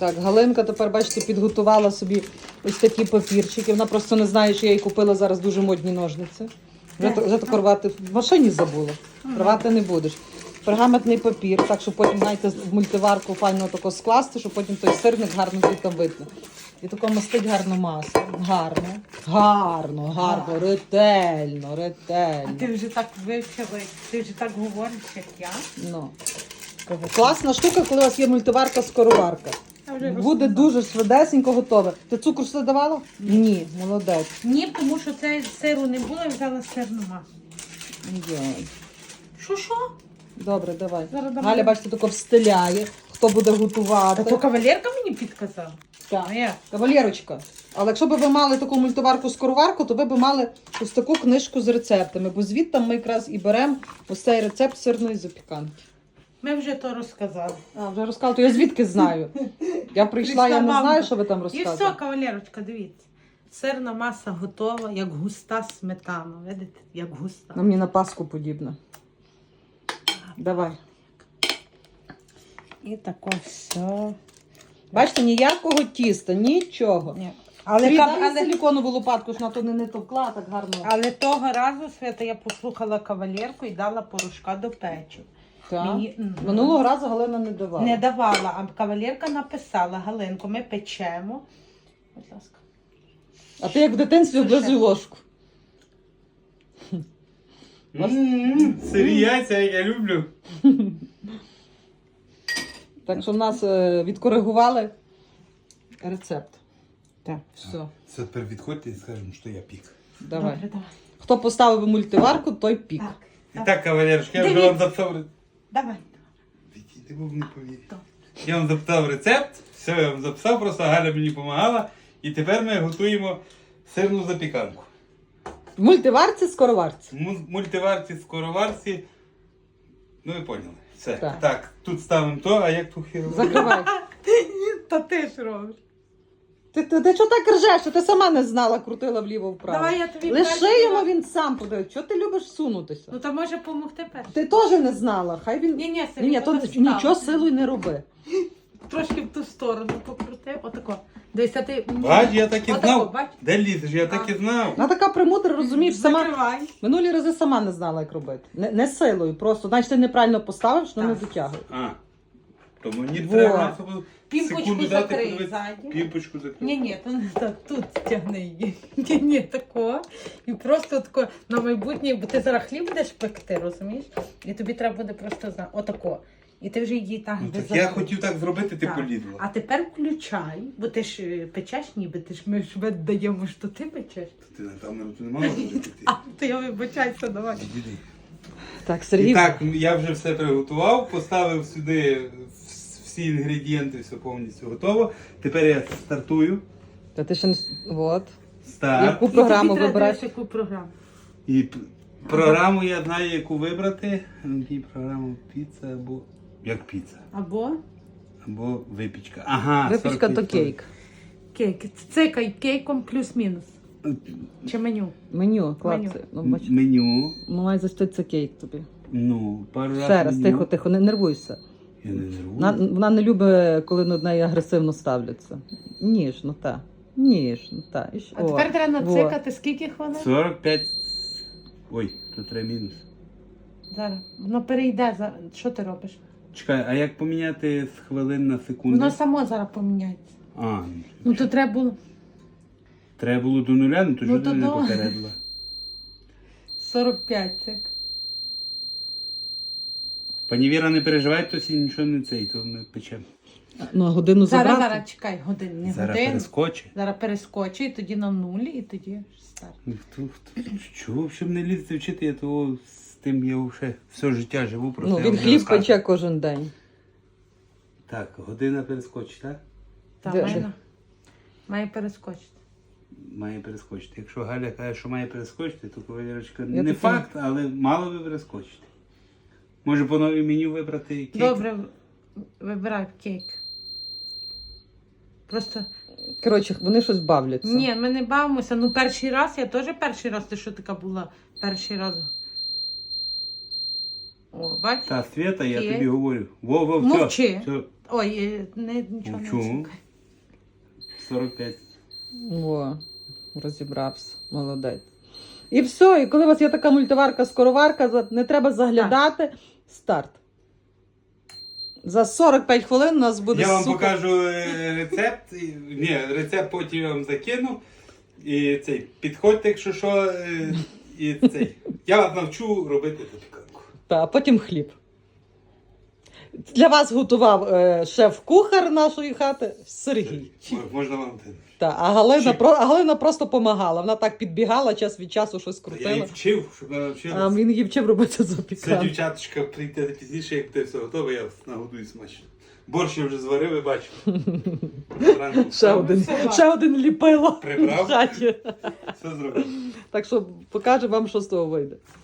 Так, Галинка тепер, бачите, підготувала собі ось такі папірчики. Вона просто не знає, що я їй купила зараз дуже модні ножниці. Вже тако рвати в машині забула. Рвати не будеш. Пергаментний папір, так, щоб потім, знаєте, в мультиварку файно тако скласти, щоб потім той сирник гарно звідти видно. І тако мастить гарно масу. Гарно, ретельно. А ти вже так вивчила, ти вже так говориш, як я. Ну. Класна штука, коли у вас є мультиварка-скороварка. Буде дуже швидесенько готове. Ти цукру сюди давала? Ні, молодець. Ні, тому що це сиру не було, я взяла сирну масу. Йой. Що? Добре, давай. Зараз давай. Галя, бачите, тако встиляє, хто буде готувати. Та то кавалерка мені підказала. Так. А я? Кавалерочка. Але якщо б ви мали таку мультиварку-скороварку, то ви б мали ось таку книжку з рецептами, бо звідти ми якраз і беремо ось цей рецепт сирної запіканки. Ми вже то розказали. А, вже розказала, то я звідки знаю? Я прийшла, я не знаю, що ви там І розказуєте. все, кавалерочка, дивіться. Сирна маса готова, як густа сметана. Видите? Як густа. На мені на паску подібне. Давай. І тако все. Бачите, ніякого тіста, нічого. Ні. Але Але силіконову лопатку ж на то не товкла, так гарно. того разу, Свята, я послухала кавалерку і дала порошка до печу. Так. Мені- Минулого разу Галина не давала. Не давала, а кавалерка написала: Галинко, ми печемо. Будь ласка. А ти як в дитинстві облизуй ложку. Сирі яйця, як я люблю. Так що в нас відкоригували рецепт. Так. Все, Все, тепер відходьте і скажемо, що я пік. давай. Добре, давай. Хто поставив мультиварку, той пік. Так. І так, кавалерочка, я вже Дивіться. вам записав. Давай. Ти був не повірив. Я вам записав рецепт, все, я вам записав, просто Галя мені допомагала. І тепер ми готуємо сирну запіканку. В мультиварці, скороварці. Мультиварці, скороварці. Ну ви поняли. Все. Так. Так, тут ставимо то, а як ту хіру? Закривай. Та ти ж робиш. Ти чого так ржеш, що ти сама не знала, крутила вліво-вправо. Давай я тобі Лиши перший його, раз. він сам подає. Чого ти любиш сунутися? Ну то може допомогти перше. Ти теж не знала. Хай він. Ні, Ні, то нічого силою не роби. Трошки в ту сторону покрути. Отако. Дивися, ти... Бач, я так і Отако, знав. бач. Де лізеш? Я так і знав. Вона така премудра, розумієш, сама. Закривай. Минулі рази сама не знала, як робити. Не силою, просто. Значить, ти неправильно поставив, що не Так. дотягує. А. То мені Во. треба Пімпочку секунду дати, закрий подивитися. ззаді. Пімпочку закрий. Ні, то не так, тут тягни її. Ні, тако. І просто тако на майбутнє, бо ти зараз хліб будеш пекти, розумієш? І тобі треба буде просто отако. І ти вже її так Ну, без так я закруту. хотів так зробити, ти Так. полізла. А тепер включай, бо ти ж печеш ніби, ми ж віддаємо, що ти печеш. Ти на камеру не мала робити. А, то я вибачайся, давай. Іди. Так, Сергій. І так, я вже все приготував, поставив сюди всі інгредієнти, все повністю готово. Тепер я стартую. Та ти ще не. От. Старт. Яку програму вибираєш? Яку програму? І програму я знаю, яку вибрати. Які програму піца або. Як піца? Або випічка. Ага, Випічка 45 то кейк. Кейк. Цикай кейком плюс-мінус. Чи меню? Меню, класи. Ну, бач. Меню. Ну, має застати це кейк тобі. Ну, пару разів. Ще раз, меню. тихо, не нервуйся. Я не нервую. Вона не любить, коли над нею агресивно ставляться. Ніжно, та. Ніжно, та. І ще- А тепер О, треба во. нацикати скільки хвилин? 45. Ой, тут треба мінус. Зараз. Воно перейде. Що ти робиш? Чекай, а як поміняти з хвилин на секунду? Воно само зараз поміняється. А, Ну то треба було треба було до нуля, ну то Ну, що то ти не до- попередила? 45 цик. Пані Віра, не переживай, то сі нічого не цей, то ми печемо. Ну, а годину забрати? Зараз, чекай, годин, не Зараз годин. перескочить. Зараз перескочи, і тоді на нулі, і тоді старт. Ну, чого, щоб не лізти вчити, я того з тим я вже все життя живу, просто Ну, я він вам не хліб розказую. пече кожен день. Так, година перескочить, так? Та, Де- має перескочити. Має перескочити. Якщо Галя каже, що має перескочити, то Валерочка, Я не таки- факт, але мало би перескочити. Може по новій меню вибрати кейк? Добре, вибирай кейк. Просто, Коротше, вони щось бавляться. ні, ми не бавимося. Ну, перший раз, я теж перший раз, ти що така була перший раз. О, бач? Та, Свята, я Кейк. тобі говорю. Во, все. Мовчи. Все. Ой, нічого не Чому? чекай. 45. О, розібрався. Молодець. І все. І коли у вас є така мультиварка-скороварка, не треба заглядати. Старт. За 45 хвилин у нас буде Я вам супер. покажу рецепт. Ні, рецепт потім я вам закину. І цей, підходьте, якщо що. І цей. Я вас навчу робити запіканку. А потім хліб. Для вас готував шеф-кухар нашої хати Сергій. Можна вам те. А Галина просто допомагала. Вона так підбігала час від часу, щось Я її крутила. вчив, щоб вона А навчилася. він її вчив робити Це запіканку. дівчаточка прийти пізніше, як те все готове, я вас нагодую смачно. Борщ я вже зварив, ви бачите. Зранку Ще один ліпило Прибрав? в хаті. все зробив. Так що покажу вам, що з того вийде.